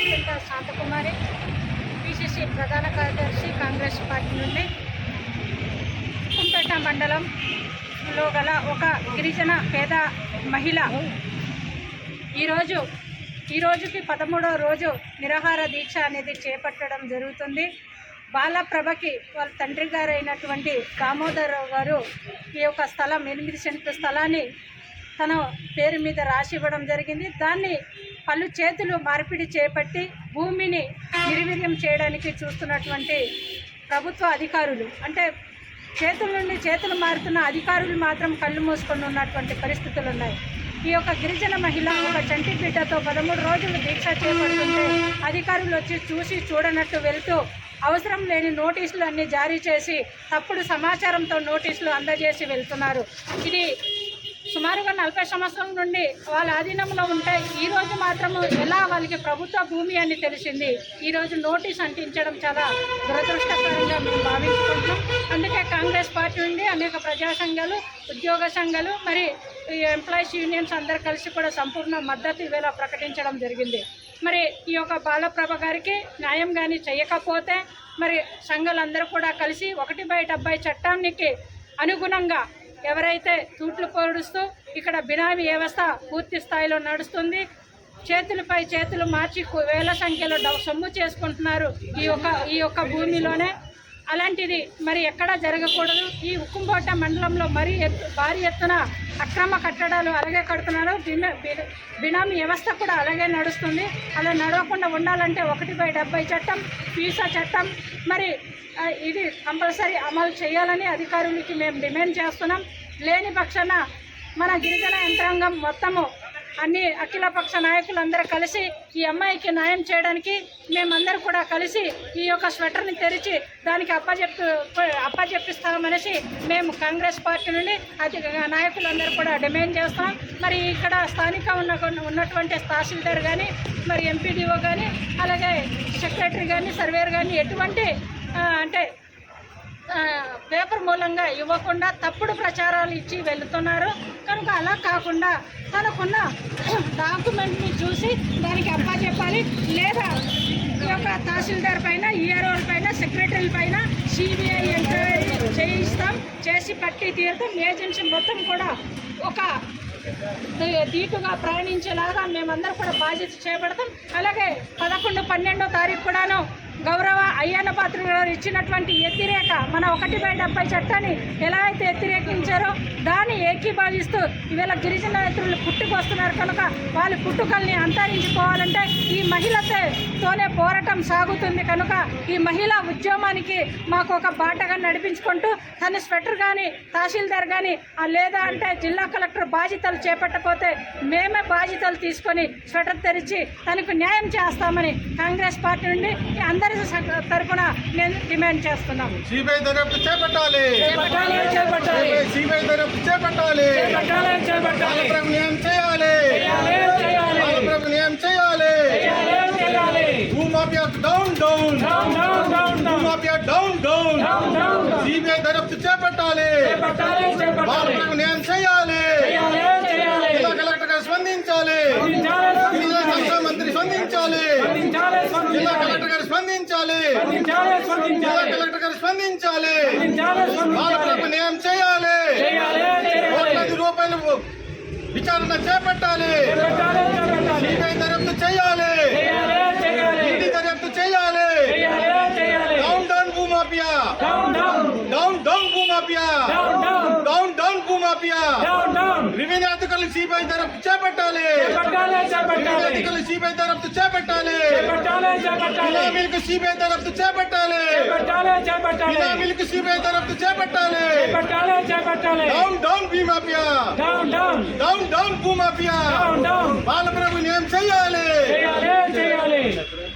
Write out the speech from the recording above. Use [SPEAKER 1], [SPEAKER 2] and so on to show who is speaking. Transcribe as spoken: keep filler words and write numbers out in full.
[SPEAKER 1] చింత శాంతకుమారి, పిసిసి ప్రధాన కార్యదర్శి, కాంగ్రెస్ పార్టీ నుండి కుంపేట మండలంలో గల ఒక గిరిజన పేద మహిళ ఈరోజు ఈ రోజుకి పదమూడవ రోజు నిరాహార దీక్ష అనేది చేపట్టడం జరుగుతుంది. బాలప్రభకి వాళ్ళ తండ్రి గారు అయినటువంటి దామోదరరావు గారు ఈ యొక్క స్థలం ఎనిమిది సెంట్ల స్థలాన్ని తన పేరు మీద రాసి ఇవ్వడం జరిగింది. దాన్ని పలు చేతులు మార్పిడి చేపట్టి భూమిని నిర్వీర్యం చేయడానికి చూస్తున్నటువంటి ప్రభుత్వ అధికారులు, అంటే చేతుల నుండి చేతులు మారుతున్న అధికారులు మాత్రం కళ్ళు మూసుకొని ఉన్నటువంటి పరిస్థితులు ఉన్నాయి. ఈ యొక్క గిరిజన మహిళ ఒక చంటి బిడ్డతో పదమూడు రోజులు దీక్ష చేపడుతుంటే అధికారులు వచ్చి చూసి చూడనట్టు వెళ్తూ అవసరం లేని నోటీసులు అన్నీ జారీ చేసి తప్పుడు సమాచారంతో నోటీసులు అందజేసి వెళ్తున్నారు. ఇది సుమారుగా నలభై సంవత్సరాల నుండి వాళ్ళ ఆధీనంలో ఉంటే ఈరోజు మాత్రము ఎలా వాళ్ళకి ప్రభుత్వ భూమి అని తెలిసింది. ఈరోజు నోటీస్ అంటించడం చాలా దురదృష్టకరంగా మేము భావించుకుంటున్నాం. అందుకే కాంగ్రెస్ పార్టీ నుండి అనేక ప్రజా సంఘాలు, ఉద్యోగ సంఘాలు, మరి ఎంప్లాయీస్ యూనియన్స్ అందరు కలిసి కూడా సంపూర్ణ మద్దతు ఇవేళ ప్రకటించడం జరిగింది. మరి ఈ యొక్క బాలప్రభ గారికి న్యాయం కానీ చేయకపోతే మరి సంఘాలందరూ కూడా కలిసి ఒకటి బై డెబ్బై చట్టానికి అనుగుణంగా ఎవరైతే తూట్లు పొడుస్తూ ఇక్కడ బినామీ వ్యవస్థ పూర్తి స్థాయిలో నడుస్తుంది, చేతులపై చేతులు మార్చి వేల సంఖ్యలో సొమ్ము చేసుకుంటున్నారు ఈ యొక్క ఈ యొక్క భూమిలోనే, అలాంటిది మరి ఎక్కడా జరగకూడదు. ఈ ఉక్కుంకోట మండలంలో మరీ ఎత్తు భారీ ఎత్తున అక్రమ కట్టడాలు అలాగే కడుతున్నారు. బినామీ వ్యవస్థ కూడా అలాగే నడుస్తుంది. అలా నడవకుండా ఉండాలంటే ఒకటి బై డెబ్బై చట్టం, పీసా చట్టం మరి ఇది కంపల్సరీ అమలు చేయాలని అధికారులకి మేము డిమాండ్ చేస్తున్నాం. లేని పక్షాన మన గిరిజన యంత్రాంగం మొత్తము అన్ని అఖిలపక్ష నాయకులందరూ కలిసి ఈ అమ్మాయికి న్యాయం చేయడానికి మేమందరూ కూడా కలిసి ఈ యొక్క స్వెటర్ని తెరిచి దానికి అప్పచెప్పి అప్పచెప్పిస్తామనేసి మేము కాంగ్రెస్ పార్టీ నుండి అది నాయకులందరూ కూడా డిమాండ్ చేస్తాం. మరి ఇక్కడ స్థానిక ఉన్న ఉన్నటువంటి తహసీల్దార్ కానీ, మరి ఎంపీడీఓ కానీ, అలాగే సెక్రటరీ కానీ, సర్వేర్ కానీ ఎటువంటి అంటే పేపర్ మూలంగా ఇవ్వకుండా తప్పుడు ప్రచారాలు ఇచ్చి వెళుతున్నారు. కనుక అలా కాకుండా తనకున్న డాక్యుమెంట్ని చూసి దానికి అప్పచెప్పాలి. లేదా ఈ యొక్క తహసీల్దార్ పైన, ఈఆర్ఓల పైన, సెక్రటరీల పైన సిబిఐ ఎంక్వైరీ చేయిస్తాం, చేసి పట్టి తీరుతాం. ఏజెన్సీ మొత్తం కూడా ఒక ధీటుగా ప్రయాణించేలాగా మేమందరం కూడా బాధ్యత చేపడతాం. అలాగే పదకొండు పన్నెండో తారీఖు కూడాను గౌరవ అయ్యన్న పాత్ర గారు ఇచ్చినటువంటి వ్యతిరేక మన ఒకటి బై డెబ్బై చట్టాన్ని ఎలా అయితే వ్యతిరేకించారో దాన్ని ఏకీభావిస్తూ ఈవేళ గిరిజన రైతులు పుట్టుకొస్తున్నారు. కనుక వాళ్ళ పుట్టుకల్ని అంతరించిపోవాలంటే ఈ మహిళతోనే పోరాటం సాగుతుంది. కనుక ఈ మహిళా ఉద్యమానికి మాకు ఒక బాటగా నడిపించుకుంటూ తన స్వెటర్ కానీ, తహసీల్దార్ కానీ, లేదా అంటే జిల్లా కలెక్టర్ బాధ్యతలు చేపట్టకపోతే మేమే బాధ్యతలు తీసుకొని స్వెటర్ తెరిచి తనకు న్యాయం చేస్తామని కాంగ్రెస్ పార్టీ నుండి అందరి తరఫున నేను డిమాండ్ చేస్తున్నాము.
[SPEAKER 2] సిబిఐ దర్యాప్తు చేపట్టాలి, సిబిఐ దర్యాప్తు చేపట్టాలి, న్యాయం చేయాలి, న్యాయం చేయాలి. భూమాఫియా డౌన్ డౌన్, భూమాఫియా డౌన్ డౌన్, సిబిఐ దర్యాప్తు చేపట్టాలి, న్యాయం చేయాలి. జిల్లా కలెక్టర్ గారు స్పందించాలి, జిల్లా సంక్షేమ మంత్రి స్పందించాలి, జిల్లా కలెక్టర్ గారు స్పందించాలి, జిల్లా కలెక్టర్ గారు స్పందించాలి. బాలప్రభకు న్యాయం చేయాలి, కోట్లాది రూపాయలు విచారణ చేపట్టాలి, సిబిఐ దర్యాప్తు చేయాలి, ఈడీ దర్యాప్తు చేయాలి. డౌన్ డౌన్ భూమాఫియా, డౌన్ డౌన్ భూమాఫియా, డౌన్ డౌన్ భూమాఫియా. రెవెన్యూ అధికారులు సిబిఐ దర్యాప్తు చేపట్టాలి, రెవెన్యూ అధికారులు సిబిఐ దర్యాప్తు చేపట్టాలి, బినామీలకు సిబిఐ దర్యాప్తు చేపట్టాలి, బినామీలకు సిబిఐ దర్యాప్తు చేపట్టాలి. డౌన్ డౌన్ భూమాఫియా, డౌన్ డౌన్ భూమాఫియా. బాలప్రభు న్యాయం చేయాలి.